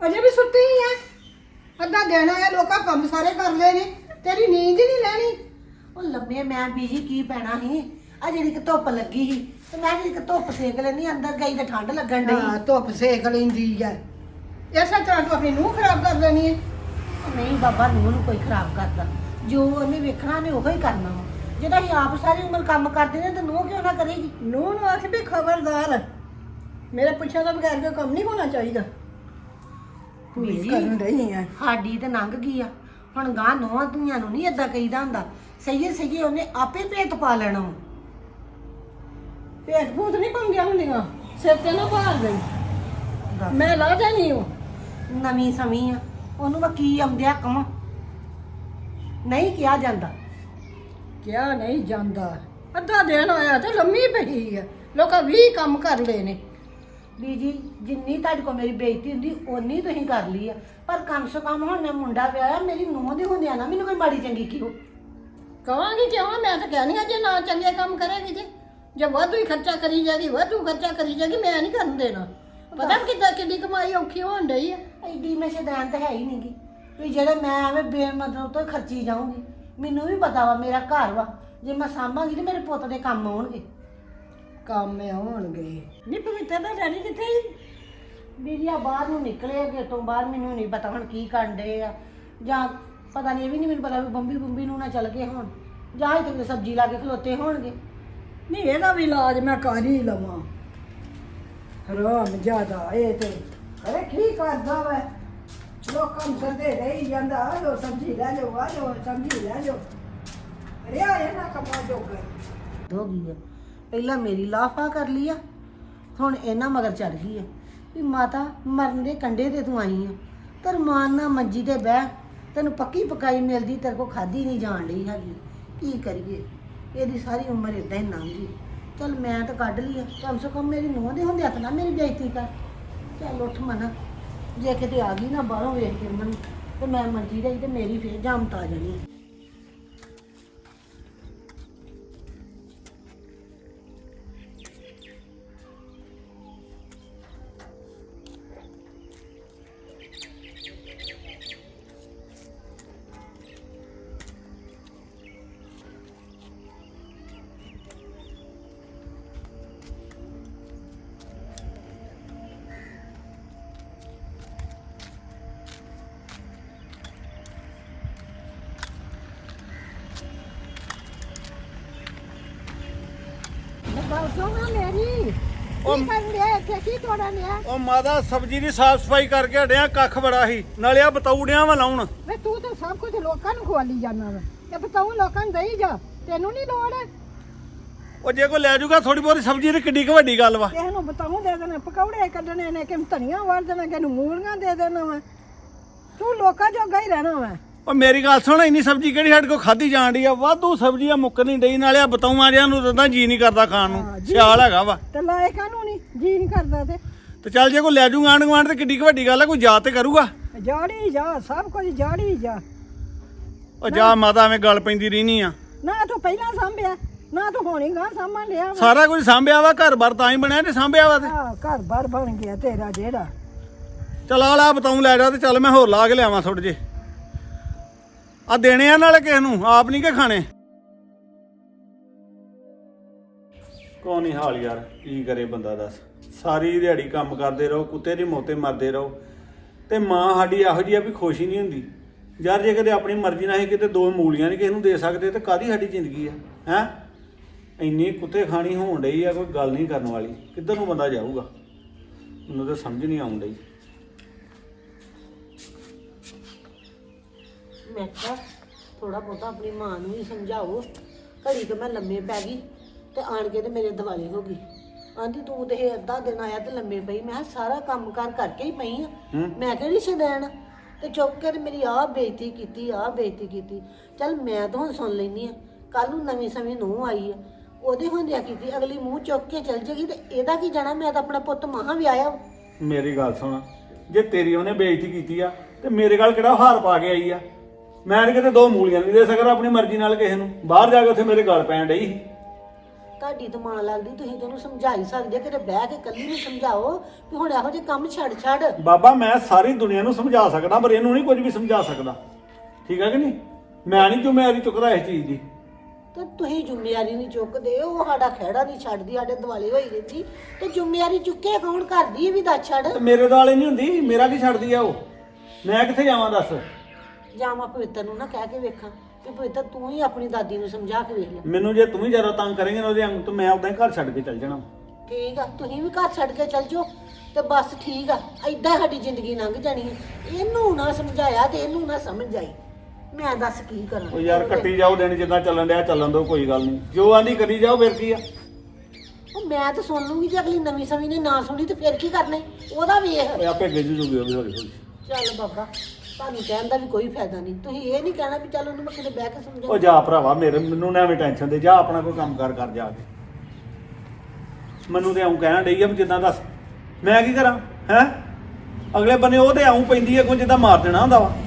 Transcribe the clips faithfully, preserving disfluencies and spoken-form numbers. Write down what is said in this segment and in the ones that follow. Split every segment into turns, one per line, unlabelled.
ਅਜੇ ਵੀ ਸੁੱਤੀ ਹੀ ਆ। ਅੱਧਾ ਦਿਨ ਆਇਆ ਲੋਕਾਂ ਕੰਮ ਸਾਰੇ ਕਰ ਲਏ ਨੇ, ਤੇਰੀ ਨੀਂਦ ਹੀ ਨਹੀਂ ਲੈਣੀ।
ਉਹ ਲੰਮੇ ਮੈਂ ਬੀਜੀ ਕੀ ਪੈਣਾ ਸੀ ਆ ਜਿਹੜੀ ਕਿ ਧੁੱਪ ਲੱਗੀ ਸੀ ਤੇ ਮੈਂ ਜਿਹੜੀ ਕਿ ਧੁੱਪ ਸੇਕ ਲੈਣੀ ਅੰਦਰ ਗਈ ਤੇ ਠੰਡ ਲੱਗਣ ਡਈ।
ਹਾਂ ਧੁੱਪ ਸੇਕ ਲੈਂਦੀ ਆ। ਇਸੇ ਤਰ੍ਹਾਂ ਤੂੰ ਆਪਣੀ ਨੂੰਹ ਖਰਾਬ ਕਰ ਲੈਣੀ ਹੈ।
ਨਹੀਂ ਬਾਬਾ ਨੂੰਹ ਨੂੰ ਕੋਈ ਖਰਾਬ ਕਰਦਾ, ਜੋ ਉਹਨੇ ਵੇਖਣਾ ਨੇ ਉਹੋ ਹੀ ਕਰਨਾ ਵਾ। ਜਦੋਂ ਅਸੀਂ ਆਪ ਸਾਰੀ ਉਮਰ ਕੰਮ ਕਰਦੇ ਨੇ ਤੇ ਨੂੰਹ ਕਿਉਂ ਨਾ ਕਰੇਗੀ।
ਨੂੰਹ ਨੂੰ ਆਖ ਵੀ ਖਬਰਦਾਰ, ਮੇਰੇ ਪੁੱਛਿਆ ਤੋਂ ਬਗੈਰ ਕੋਈ ਕੰਮ ਨਹੀਂ ਹੋਣਾ ਚਾਹੀਦਾ।
ਬੀਜੀ
ਕਰਨ ਰਹੀ ਆ
ਸਾਡੀ ਤੇ ਲੰਘ ਗਈ ਆ, ਹੁਣ ਗਾਂ ਨੋਹਾਂ ਧੀਆਂ ਨੂੰ ਨਹੀਂ ਏਦਾਂ ਕਹੀਦਾ ਹੁੰਦਾ। ਸਹੀ ਸਹੀ ਉਹਨੇ ਆਪੇ ਭੇਤ ਪਾ ਲੈਣਾ ਵਾ।
ਭੇਟ ਭੂਤ ਨਹੀਂ ਪਾਉਂਦੀਆਂ ਹੁੰਦੀਆਂ, ਸਿਰ ਤੇ ਨਾ ਭਾਰ ਗਈ
ਦੱਸ।
ਮੈਂ ਲਾ ਜਾਣੀ ਉਹ।
ਨਵੀਂ ਸਮੀ ਆ, ਉਹਨੂੰ ਮੈਂ ਕੀ ਆਉਂਦਿਆ ਕਵਾਂ। ਨਹੀਂ ਕਿਹਾ ਜਾਂਦਾ।
ਕਿਹਾ ਨਹੀਂ ਜਾਂਦਾ। ਅੱਧਾ ਦਿਨ ਹੋਇਆ ਤੇ ਲੰਮੀ ਪਈ ਆ, ਲੋਕਾਂ ਵੀ ਕੰਮ ਕਰ ਲਏ ਨੇ।
ਬੀਜੀ ਜਿੰਨੀ ਤੁਹਾਡੇ ਕੋਲ ਮੇਰੀ ਬੇਇੱਜ਼ਤੀ ਹੁੰਦੀ ਓਨੀ ਤੁਸੀਂ ਕਰ ਲਈ ਆ, ਪਰ ਕਮ ਸੇ ਕਮ ਹੁਣ ਮੈਂ ਮੁੰਡਾ ਵਿਆਹਿਆ, ਮੇਰੀ ਨੂੰਹ ਦੇ ਹੁੰਦਿਆਂ ਨਾ ਮੈਨੂੰ ਕੋਈ ਮਾੜੀ ਚੰਗੀ ਕਿਉਂ
ਕਹਾਂਗੀ ਕਿਉਂ? ਮੈਂ ਤਾਂ ਕਹਿਣੀ ਆ ਜੇ ਨਾ ਚੰਗੇ ਕੰਮ ਕਰੇਗੀ ਤੇ ਜੇ ਵਾਧੂ ਹੀ ਖਰਚਾ ਕਰੀ ਜਾਏਗੀ, ਵਾਧੂ ਖਰਚਾ ਕਰੀ ਜਾਏਗੀ, ਮੈਂ ਨਹੀਂ ਕਰਨ ਦੇਣਾ। ਪਤਾ ਕਿੱਦਾਂ ਕਿੰਨੀ ਕਮਾਈ ਔਖੀ ਹੋਣ ਡਈ ਆ।
ਐਡੀ ਮੈਂ ਸ਼ੈਤਾਨ ਤਾਂ ਹੈ ਹੀ ਨਹੀਂਗੀ ਵੀ ਜਿਹੜੇ ਮੈਂ ਐਵੇਂ ਬੇਮਤਲਬ ਤੋਂ ਖਰਚੀ ਜਾਊਂਗੀ। ਮੈਨੂੰ ਵੀ ਪਤਾ ਵਾ ਮੇਰਾ ਘਰ ਵਾ, ਜੇ ਮੈਂ ਸਾਂਭਾਂਗੀ ਤੇ ਮੇਰੇ ਪੁੱਤ ਦੇ ਕੰਮ ਆਉਣਗੇ।
ਕੰਮ ਆਉਣਗੇ। ਨਹੀਂ ਪਵਿੱਤਰ ਦਾ ਡੈਡੀ ਕਿੱਥੇ ਹੀ?
ਬੀਜੀ ਆ ਬਾਹਰ ਨੂੰ ਨਿਕਲੇ ਅੱਗੇ ਤੋਂ ਬਾਹਰ, ਮੈਨੂੰ ਨਹੀਂ ਪਤਾ ਹੁਣ ਕੀ ਕਰਨ ਡਏ ਆ, ਜਾਂ ਪਤਾ ਨਹੀਂ ਇਹ ਵੀ ਨਹੀਂ ਮੈਨੂੰ ਪਤਾ ਵੀ ਬੰਬੀ ਬੰਬੀ ਨੂੰ ਨਾ ਚੱਲ ਗਏ ਹੋਣ, ਜਾਂ ਇੱਥੇ ਸਬਜ਼ੀ ਲਾ ਕੇ ਖਲੋਤੇ ਹੋਣਗੇ।
ਨਹੀਂ ਇਹਦਾ ਵੀ ਇਲਾਜ ਮੈਂ ਕਰ ਹੀ ਲਵਾਂ। ਹਰਾਮ ਜ਼ਿਆਦਾ ਇਹ ਤੇ ਅਰੇ ਕੀ ਕਰਦਾ ਵਾ, ਲੋਕਾਂ ਨੂੰ ਕਰਦੇ ਰਹੀ ਜਾਂਦਾ। ਆ ਲੋ ਸਬਜ਼ੀ ਲੈ ਜਾਓ, ਆ ਲੋ ਸਬਜ਼ੀ ਲੈ ਜਾਓ। ਅਰੇ ਆ ਇਹਨਾਂ ਕੰਮਾਂ ਜੋਗਾ
ਹੋ ਗਈ ਆ। ਪਹਿਲਾਂ ਮੇਰੀ ਲਾਫਾ ਕਰ ਲਈ ਆ, ਹੁਣ ਇਹਨਾਂ ਮਗਰ ਚੜ ਗਈ ਆ ਵੀ ਮਾਤਾ ਮਰਨ ਦੇ ਕੰਢੇ ਤੇ ਤੂੰ ਆਈ ਆ, ਤੇਰ ਮਾਨ ਨਾ ਮੰਜੀ ਤੇ ਬਹਿ, ਤੈਨੂੰ ਪੱਕੀ ਪਕਾਈ ਮਿਲਦੀ, ਤੇਰੇ ਕੋ ਖਾਦੀ ਨਹੀਂ ਜਾਣ ਡਈ ਹੈਗੀ। ਕੀ ਕਰੀਏ, ਇਹਦੀ ਸਾਰੀ ਉਮਰ ਇਦਾਂ ਹੀ ਲੰਘ ਗਈ। ਚੱਲ ਮੈਂ ਤਾਂ ਕੱਢ ਲਈ ਆ, ਕਮ ਸੇ ਕਮ ਮੇਰੀ ਨੂੰਹ ਦੇ ਹੁੰਦੇ ਹੱਥ ਨਾ ਮੇਰੀ ਬੇਇੱਜ਼ਤੀ ਕਰ। ਚੱਲ ਉੱਠ ਮਨਾ, ਜੇ ਕਿਤੇ ਆ ਗਈ ਨਾ ਬਾਹਰੋਂ ਵੇਖ ਕੇ ਮੈਨੂੰ ਤੇ ਮੈਂ ਮੰਜੀ ਰਹੀ ਤੇ ਮੇਰੀ ਫੇਰ ਜਾਮਤ ਆ ਜਾਣੀ।
ਗੱਲ ਸੁਣਾ ਮੇਰੀ।
ਉਹ
ਕੀ ਕਰਨ ਲਿਆ ਇੱਥੇ, ਕੀ ਤੋੜਨ ਲਿਆ?
ਉਹ ਮਾਦਾ ਸਬਜ਼ੀ ਦੀ ਸਾਫ ਸਫਾਈ ਕਰਕੇ ਹਟਿਆ, ਕੱਖ ਬੜਾ ਸੀ, ਨਾਲੇ ਆ ਬਤੌੜਿਆਂ ਵਾ ਲਾਉਣ।
ਵੇ ਤੂੰ ਤਾਂ ਸਭ ਕੁਝ ਲੋਕਾਂ ਨੂੰ ਖਵਾਲੀ ਜਾਂਦਾ ਵਾ, ਤੇ ਬਤਾਉ ਲੋਕਾਂ ਨੂੰ ਦੇਈ ਜਾ, ਤੈਨੂੰ ਨਹੀਂ ਲੋੜ।
ਉਹ ਜੇ ਕੋਈ ਲੈ ਜਾਊਗਾ ਥੋੜੀ ਬਹੁਤੀ ਸਬਜ਼ੀ ਤੇ ਕਿੱਡੀ ਕੁ ਵੱਡੀ ਗੱਲ ਵਾ।
ਕਿਸੇ ਨੂੰ ਬਤਾਉ ਦੇ ਦੇਣਾ, ਪਕੌੜੇ ਕੱਢਣੇ ਨੇ, ਕਿ ਧਨੀਆ ਵੜ ਦੇਣਾ, ਕਿ ਨੂੰ ਮੂਲੀਆਂ ਦੇ ਦੇਣਾ ਵਾ। ਤੂੰ ਲੋਕਾਂ ਜੋਗਾ ਹੀ ਰਹਿਣਾ ਵਾ।
ਉਹ ਮੇਰੀ ਗੱਲ ਸੁਣ, ਇੰਨੀ ਸਬਜ਼ੀ ਕਿਹੜੀ ਸਾਡੇ ਕੋਲ ਖਾਧੀ ਜਾਣ ਡਈ ਆ? ਵਾਧੂ ਸਬਜ਼ੀ ਆ, ਮੁੱਕ ਨਹੀਂ ਡਈ, ਨਾਲੇ ਆ ਬਤਾਊਆਂ ਜਿਆਂ ਨੂੰ ਤਾਂ ਜੀ ਨਹੀਂ ਕਰਦਾ ਖਾਣ ਨੂੰ,
ਹਾਂ, ਜੀ।
ਸਿਆਲ ਹੈਗਾ ਵਾ।
ਤੇ ਲਾਏ ਕਾਹਨੂੰ ਨਹੀਂ ਜੀ ਨਹੀਂ ਕਰਦਾ। ਤੇ
ਤੇ ਚੱਲ ਜੇ ਕੋਈ ਲੈ ਜਾਊਗਾ ਆਂਢ ਗੁਆਂਢ ਤੇ ਕਿੱਡੀ ਕੁ ਵੱਡੀ ਗੱਲ ਆ, ਕੋਈ ਜਾ ਤੇ ਕਰੂਗਾ।
ਜਾੜੀ ਜਾ, ਸਭ ਕੁਝ ਜਾੜੀ ਜਾ।
ਉਹ ਜਾ ਮਾਤਾ, ਐਵੇਂ ਗੱਲ ਪੈਂਦੀ ਰਹਿਨੀ ਆ।
ਨਾ ਤੂੰ ਪਹਿਲਾਂ ਸਾਂਭਿਆ, ਨਾ ਤੂੰ ਹੋਣੀ ਗਾਂ ਸਾਂਭਣ ਲਿਆ ਵਾ।
ਸਾਰਾ ਕੁਝ ਸਾਂਭਿਆ ਵਾ, ਘਰ ਬਾਰ ਤਾਂ ਹੀ ਬਣਿਆ ਤੇ ਸਾਂਭਿਆ ਵਾ। ਤੇ
ਆਹ, ਘਰ ਬਾਰ ਬਣ ਗਿਆ ਤੇਰਾ ਜਿਹੜਾ।
ਚੱਲ ਆ ਲਾ ਬਤਾਊ ਲੈ ਜਾ, ਤੇ ਚੱਲ ਮੈਂ ਹੋਰ ਲਾ ਕੇ ਲਿਆਵਾਂ ਥੋੜੇ ਜੇ। ਆ ਦੇਣੇ ਆ ਨਾਲੇ ਕਿਸੇ ਨੂੰ, ਆਪ ਨਹੀਂ ਕਿ ਖਾਣੇ। ਕੋਈ ਨਹੀਂ ਹਾਲ ਯਾਰ, ਕੀ ਕਰੇ ਬੰਦਾ ਦੱਸ। ਸਾਰੀ ਦਿਹਾੜੀ ਕੰਮ ਕਰਦੇ ਰਹੋ, ਕੁੱਤੇ ਦੀ ਮੋਤੇ ਮਰਦੇ ਰਹੋ, ਤੇ ਮਾਂ ਸਾਡੀ ਇਹੋ ਜਿਹੀ ਆ ਵੀ ਖੁਸ਼ ਹੀ ਨਹੀਂ ਹੁੰਦੀ ਯਾਰ। ਜੇ ਕਦੇ ਆਪਣੀ ਮਰਜ਼ੀ ਨਾਲ ਹੀ ਕਿਤੇ ਦੋ ਮੂਲੀਆਂ ਨਹੀਂ ਕਿਸੇ ਨੂੰ ਦੇ ਸਕਦੇ ਤੇ ਕਾਹਦੀ ਸਾਡੀ ਜ਼ਿੰਦਗੀ ਆ ਹੈ। ਇੰਨੀ ਕੁੱਤੇ ਖਾਣੀ ਹੋਣ ਡਈ ਆ, ਕੋਈ ਗੱਲ ਨਹੀਂ ਕਰਨ ਵਾਲੀ। ਕਿੱਧਰ ਨੂੰ ਬੰਦਾ ਜਾਊਗਾ, ਮੈਨੂੰ ਤਾਂ ਸਮਝ ਨਹੀਂ ਆਉਣ ਡਈ।
ਮੈਂ ਕਿਹਾ ਥੋੜਾ ਬਹੁਤਾ ਆਪਣੀ ਮਾਂ ਨੂੰ ਵੀ ਸਮਝਾਓ। ਘੜੀ ਕਿ ਮੈਂ ਲੰਮੇ ਪੈ ਗਈ ਤੇ ਆਣ ਕੇ ਤੇ ਮੇਰੇ ਦਿਵਾਲੇ ਹੋ ਗਈ। ਆਂਦੀ ਤੂੰ ਤੇ ਇਹ ਅੱਧਾ ਦਿਨ ਆਇਆ ਤੇ ਲੰਮੇ ਪਈ। ਮੈਂ ਕਿਹਾ ਸਾਰਾ ਕੰਮ ਕਾਰ ਕਰਕੇ ਹੀ ਪਈ ਆ, ਮੈਂ ਕਿਹੜੀ ਸ਼ੈਤਾਨ। ਤੇ ਚੁੱਕ ਕੇ ਤੇ ਮੇਰੀ ਆਹ ਬੇਇੱਜ਼ਤੀ ਕੀਤੀ, ਆਹ ਬੇਇੱਜ਼ਤੀ ਕੀਤੀ। ਚੱਲ ਮੈਂ ਤਾਂ ਹੁਣ ਸੁਣ ਲੈਂਦੀ ਆ, ਕੱਲ ਨੂੰ ਨਵੀਂ ਸਮੇਂ ਨੂੰਹ ਆਈ ਆ, ਉਹਦੇ ਹੁੰਦਿਆ ਕੀਤੀ, ਅਗਲੀ ਮੂੰਹ ਚੁੱਕ ਕੇ ਚੱਲ ਜੇਗੀ ਤੇ ਇਹਦਾ ਕੀ ਜਾਣਾ। ਮੈਂ ਤਾਂ ਆਪਣਾ ਪੁੱਤ ਮਹਾਂ ਵਿਆਹਿਆ।
ਮੇਰੀ ਗੱਲ ਸੁਣ, ਜੇ ਤੇਰੀ ਉਹਨੇ ਬੇਇੱਜ਼ਤੀ ਕੀਤੀ ਆ ਤੇ ਮੇਰੇ ਗੱਲ ਕਿਹੜਾ ਹਾਰ ਪਾ ਕੇ ਆਈ ਆ? ਮੈਂ ਕਿਤੇ ਦੋ ਮੂਲੀਆਂ ਨਹੀਂ ਦੇ ਸਕਦਾ ਆਪਣੀ ਮਰਜ਼ੀ ਨਾਲ ਕਿਸੇ ਨੂੰ। ਬਾਹਰ ਜਾ ਕੇ ਉੱਥੇ ਮੇਰੇ ਗੱਲ ਪੈਣ ਡਈ ਸੀ।
ਤੁਹਾਡੀ ਤਾਂ ਮਾਂ ਲੱਗਦੀ, ਤੁਸੀਂ ਤੈਨੂੰ ਸਮਝਾ ਹੀ ਸਕਦੇ, ਕਿਤੇ ਬਹਿ ਕੇ ਕੱਲੀ ਨੂੰ ਸਮਝਾਓ ਵੀ ਹੁਣ ਇਹੋ ਜਿਹੇ ਕੰਮ ਛੱਡ ਛੱਡ।
ਬਾਬਾ ਮੈਂ ਸਾਰੀ ਦੁਨੀਆ ਨੂੰ ਸਮਝਾ ਸਕਦਾ ਪਰ ਇਹਨੂੰ ਨਹੀਂ ਕੁਝ ਵੀ ਸਮਝਾ ਸਕਦਾ, ਠੀਕ ਹੈ ਕਿ ਨਹੀਂ? ਮੈਂ ਨਹੀਂ ਜ਼ਿੰਮੇਵਾਰੀ ਚੁੱਕਦਾ ਇਸ ਚੀਜ਼ ਦੀ।
ਤੇ ਤੁਸੀਂ ਜ਼ਿੰਮੇਵਾਰੀ ਨਹੀਂ ਚੁੱਕਦੇ, ਉਹ ਸਾਡਾ ਖਹਿੜਾ ਨਹੀਂ ਛੱਡਦੀ, ਸਾਡੇ ਦੁਆਲੇ ਹੋਈ ਰਹਿੰਦੀ, ਤੇ ਜ਼ਿੰਮੇਵਾਰੀ ਚੁੱਕੇ ਕੌਣ ਕਰਦੀ? ਇਹ ਵੀ ਦੱਸ ਛੱਡ।
ਤੇ ਮੇਰੇ ਦੁਆਲੇ ਨਹੀਂ ਹੁੰਦੀ, ਮੇਰਾ ਕੀ ਛੱਡਦੀ ਆ ਉਹ? ਮੈਂ ਕਿੱਥੇ ਜਾਵਾਂ ਦੱਸ?
ਜਾਂ ਮੈਂ ਪਵਿੱਤਰ ਨੂੰ ਨਾ ਕਹਿ ਕੇ ਵੇਖਾਂ ਕਿ ਪਵਿੱਤਰ ਤੂੰ ਹੀ ਆਪਣੀ ਦਾਦੀ ਨੂੰ ਸਮਝਾ ਕੇ ਵੇਖ ਲੈ।
ਮੈਨੂੰ ਜੇ ਤੂੰ ਵੀ ਜ਼ਿਆਦਾ ਤੰਗ ਕਰੇਂਗੇ ਨਾ ਉਹਦੇ ਅੰਗ ਤੋਂ ਮੈਂ ਉਦਾਂ ਹੀ ਘਰ ਛੱਡ ਕੇ ਚੱਲ ਜਾਣਾ।
ਠੀਕ ਆ, ਤੁਸੀਂ ਵੀ ਘਰ ਛੱਡ ਕੇ ਚੱਲ ਜਾਓ ਤੇ ਬਸ ਠੀਕ ਆ, ਏਦਾਂ ਸਾਡੀ ਜ਼ਿੰਦਗੀ ਲੰਘ ਜਾਣੀ ਹੈ। ਇਹਨੂੰ ਨਾ ਸਮਝਾਇਆ ਤੇ ਇਹਨੂੰ ਨਾ ਸਮਝ ਆਈ, ਮੈਂ ਦੱਸ ਕੀ ਕਰਾਂ?
ਉਹ ਯਾਰ ਕੱਟੀ ਜਾਓ ਦਿਨ ਜਿੱਦਾਂ ਚੱਲਣ ਡਿਆ ਚੱਲਣ ਦੋ, ਕੋਈ ਗੱਲ ਨਹੀਂ, ਜੋ ਆਂਦੀ ਕਰੀ ਜਾਓ, ਫਿਰ ਕੀ ਆ?
ਉਹ ਮੈਂ ਤਾਂ ਸੁਣ ਲੂੰਗੀ, ਜੇ ਅਗਲੀ ਨਵੀਂ ਸਮੀ ਨੇ ਨਾ ਸੁਣੀ ਤੇ ਫਿਰ ਕੀ ਕਰਨਾ ਈ? ਉਹਦਾ ਵੇਖ।
ਓਏ ਆਪੇ ਗਿੱਜ ਜੂਗੀ ਉਹ ਵੀ ਹੌਲੀ ਹੌਲੀ।
ਚੱਲ ਬਾਬਾ, ਤੁਹਾਨੂੰ ਕਹਿਣ ਦਾ ਵੀ ਕੋਈ ਫਾਇਦਾ ਨਹੀਂ, ਤੁਸੀਂ ਇਹ ਨਹੀਂ ਕਹਿਣਾ ਵੀ ਚੱਲ ਉਹਨੂੰ ਮੈਂ ਕਿਤੇ ਬਹਿ ਕੇ ਸਮਝਾਉਂ।
ਉਹ ਜਾ ਭਰਾਵਾ, ਮੇਰੇ ਮੈਨੂੰ ਨਾ ਐਵੇਂ ਟੈਨਸ਼ਨ ਦੇ, ਜਾ ਆਪਣਾ ਕੋਈ ਕੰਮ ਕਰ ਕਰ ਜਾ ਕੇ। ਮੈਨੂੰ ਤੇ ਆਉਂ ਕਹਿਣ ਡਈ ਆ ਵੀ ਜਿੱਦਾਂ ਦੱਸ ਮੈਂ ਕੀ ਕਰਾਂ ਹੈ? ਅਗਲੇ ਬੰਨੇ ਉਹ ਤੇ ਆਉਂ ਪੈਂਦੀ ਆ ਕੋਈ ਜਿੱਦਾਂ ਮਾਰ ਦੇਣਾ ਹੁੰਦਾ ਵਾ।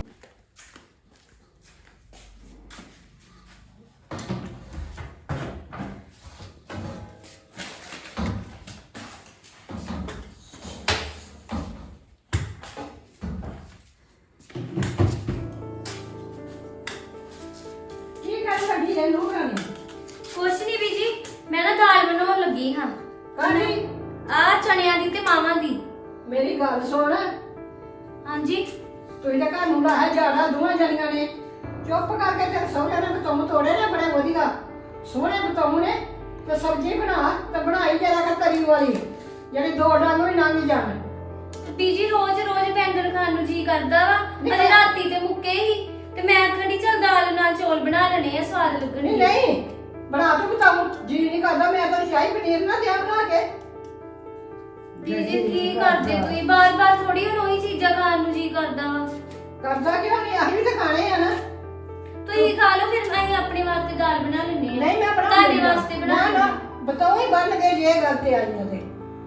ਕੀ ਕਰ ਲੱਗੀ ਹੈ ਨੂੰਹ ਰਾਣੀ?
ਕੁਛ ਨਹੀਂ ਬੀਜੀ, ਮੈਂ ਨਾ ਦਾਲ ਬਣਾਉਣ ਲੱਗੀ ਹਾਂ।
ਕਾਹਦੀ?
ਆ ਚਣਿਆਂ ਦੀ ਤੇ ਮਾਵਾਂ ਦੀ।
ਮੇਰੀ ਗੱਲ ਸੁਣ,
ਹਾਂਜੀ
ਤੁਸੀਂ ਤਾਂ ਘਰ ਨੂੰ ਲਾਇਆ ਜਾੜਾ ਦੋਵਾਂ ਜਣੀਆਂ ਨੇ। ਚੁੱਪ ਕਰਕੇ ਤੇ ਸਹੁਰੇ ਨੇ ਬਤੌਂ ਤੋੜੇ ਨੇ ਬੜੇ ਵਧੀਆ ਸੋਹਣੇ ਬਤੌਂ ਨੇ, ਤੇ ਸਬਜ਼ੀ ਬਣਾ ਤੇ ਬਣਾਈ ਜਰਾ ਕਰ ਤਰੀ ਵਾਲੀ, ਜਿਹੜੀ ਦੋ ਡਾਂਗੋਂ ਹੀ ਲੰਘ ਜਾਣ।
ਬੀਜੀ ਰੋਜ਼ ਰੋਜ਼ ਬੈਂਗਣ ਖਾਣ ਨੂੰ ਜੀ ਕਰਦਾ ਵਾ।
ਨਹੀਂ
ਅਰੇ ਰਾਤੀ ਤੇ ਮੁੱਕੇ ਹੀ ਤੇ ਮੈਂ ਆਖਣੀ ਚੱਲ ਦਾਲ ਨਾਲ ਚੌਲ ਬਣਾ ਲੈਣੇ ਆ, ਸਵਾਦ
ਨਹੀਂ
ਲੱਗਣਗੇ।
ਨਹੀਂ ਬਣਾ ਤੂੰ ਬਤਾਉ, ਜੀ ਨਹੀਂ ਕਰਦਾ, ਮੈਂ ਤਾਂ ਸ਼ਾਹੀ ਪਨੀਰ ਨਾ ਦਿਆਂ ਬਣਾ ਕੇ।
ਬੀਜੀ ਕੀ ਕਰਦੇ ਤੁਸੀਂ? ਬਾਰ-ਬਾਰ ਥੋੜੀ ਹੁਣ ਉਹੀ ਚੀਜ਼ਾਂ ਖਾਣ ਨੂੰ ਜੀ ਕਰਦਾ ਵਾ।
ਕਰਦਾ ਕਿਉਂ ਨਹੀਂ? ਆਹੀ ਵੀ ਤਾਂ ਖਾਣੇ ਆ ਨਾ।
ਤੁਸੀਂ ਖਾ ਲਓ, ਫਿਰ ਅਸੀਂ ਆਪਣੇ ਵਾਸਤੇ ਦਾਲ ਬਣਾ ਲੈਣੇ ਆ।
ਨਹੀਂ ਮੈਂ ਬਣਾ
ਤੁਹਾਡੇ ਵਾਸਤੇ ਬਣਾ
ਨਾ ਨਾ ਬਤਾਓ ਹੀ ਬਣ ਗਏ ਜੇ ਇਹ ਗੱਲ ਤੇ ਆਈਆਂ ਤੇ।